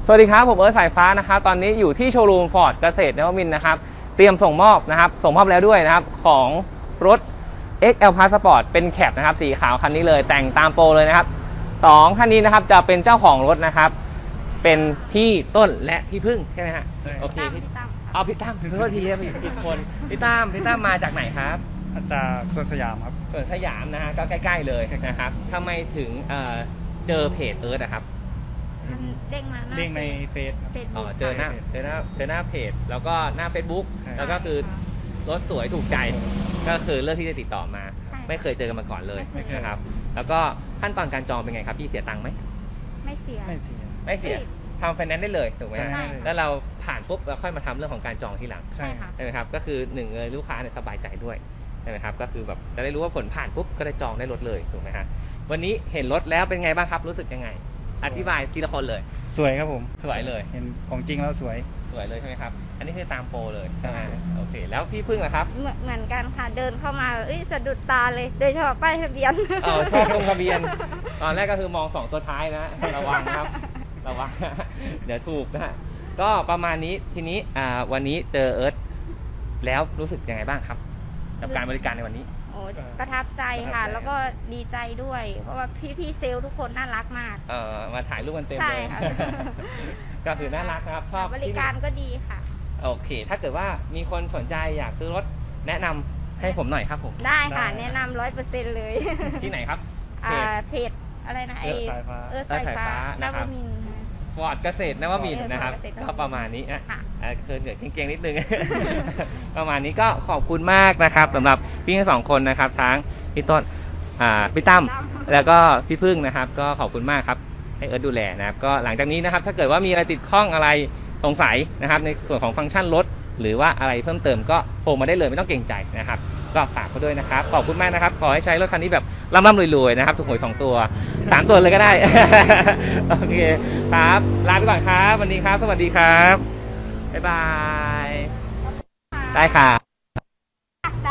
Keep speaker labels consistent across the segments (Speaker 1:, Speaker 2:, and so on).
Speaker 1: สวัสดีครับผมเอิร์ธสายฟ้านะครับตอนนี้อยู่ที่โชว์รูมฟอร์ดเกษตรนวมินทร์นะครับเตรียมส่งมอบนะครับส่งมอบแล้วด้วยนะครับของรถ XL Plus Sport เป็นแคปนะครับสีขาวคันนี้เลยแต่งตามโปรเลยนะครับ2คันนี้นะครับจะเป็นเจ้าของรถนะครับเป็นพี่ต้นและพี่พึ่งใช่ไหมฮะโอเคพี่ตั้มเอาพี่ตั้มถึงโทษทีครับผิดคนพี่ตั้มมาจากไหนครับ
Speaker 2: จากสวนสยามครับ
Speaker 1: สวนสยามนะฮะก็ใกล้ๆเลยนะครับทำไมถึงเจอเพจเอิร์ธนะครับ
Speaker 3: เด้งมา
Speaker 2: เด้งในเฟซ
Speaker 1: เจอหน้าเพจแล้วก็หน้า Facebook แล้วก็คือรถสวยถูกใจก็คือเลือกที่จะติดต่อมาไม่เคยเจอกันมาก่อนเลยนะครับแล้วก็ขั้นตอนการจองเป็นไงครับพี่เสียตังค์ไหม
Speaker 3: ไม่เสีย
Speaker 1: ทำไฟแนนซ์ได้เลยถูกไหมแล้วเราผ่านปุ๊บเราค่อยมาทำเรื่องของการจองทีหลัง
Speaker 3: ใช่
Speaker 1: ไหมครับก็คือหนึ่งเลยลูกค้าเนี่ยสบายใจด้วยใช่ไหมครับก็คือแบบจะได้รู้ว่าผลผ่านปุ๊บก็ได้จองได้รถเลยถูกไหมฮะวันนี้เห็นรถแล้วเป็นไงบ้างครับรู้สึกยังไงอธิบายทีละคนเลย
Speaker 2: สวยครับผม
Speaker 1: สวยเลย
Speaker 2: เห็นของจริงแล้วสวย
Speaker 1: เลยใช่ไหมครับอันนี้คือตามโปรเลยใช่ไหมโอเคแล้วพี่พึ่งล่ะครับ
Speaker 3: เหมือนกันค่ะเดินเข้ามาสะดุดตาเลยโดยเฉพาะป้ายทะเบียน
Speaker 1: ชอบตรงทะเบียนตอนแรกก็คือมอง2ตัวท้ายนะระวังครับระวังเดี๋ยวถูกนะก็ประมาณนี้ทีนี้วันนี้เจอเอิร์ธแล้วรู้สึกยังไงบ้างครับกับการบริการในวันนี้
Speaker 3: ประทับใจค่ะแล้วก็ดีใจด้วยเพราะว่าพี่เซลล์ทุกคนน่ารักมาก
Speaker 1: มาถ่ายรูปกันเต็มเลย
Speaker 3: ค่ะ
Speaker 1: ก็คือน่ารักนะครับชอบบ
Speaker 3: ริการก็ดีค่ะ
Speaker 1: โอเคถ้าเกิดว่ามีคนสนใจอยากซื้อรถแนะนำให้ผมหน่อยครับผม
Speaker 3: ได้ค่ะแนะนำ100%เลย
Speaker 1: ที่ไหนครับ
Speaker 3: เพจอะไรนะ
Speaker 2: สายฟ้า
Speaker 1: สายฟ้านะครับฟอร์ดเกษตรนวมินทร์นะครับก็ประมาณนี้นะเกิดเก่งๆนิดนึงประมาณนี้ก็ขอบคุณมากนะครับสำหรับพี่ทั้งสองคนนะครับทั้งพี่ต้นพี่ตั้มแล้วก็พี่พึ่งนะครับก็ขอบคุณมากครับให้เอิร์ธดูแลนะครับก็หลังจากนี้นะครับถ้าเกิดว่ามีอะไรติดข้องอะไรสงสัยนะครับในส่วนของฟังก์ชันรถหรือว่าอะไรเพิ่มเติมก็โทรมาได้เลยไม่ต้องเกรงใจนะครับก็ฝากเขาด้วยนะครับขอบคุณมากนะครับขอให้ใช้รถคันนี้แบบร่ำรวยๆนะครับถูกหวย2ตัว3ตัวเลยก็ได้ โอเคครับลาไปก่อนครับวันนี้ครับสวัสดีครับบ๊ายบายได้ค่ะ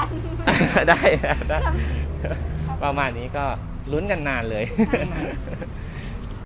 Speaker 1: ได้ประมาณนี้ก็ลุ้นกันนานเลย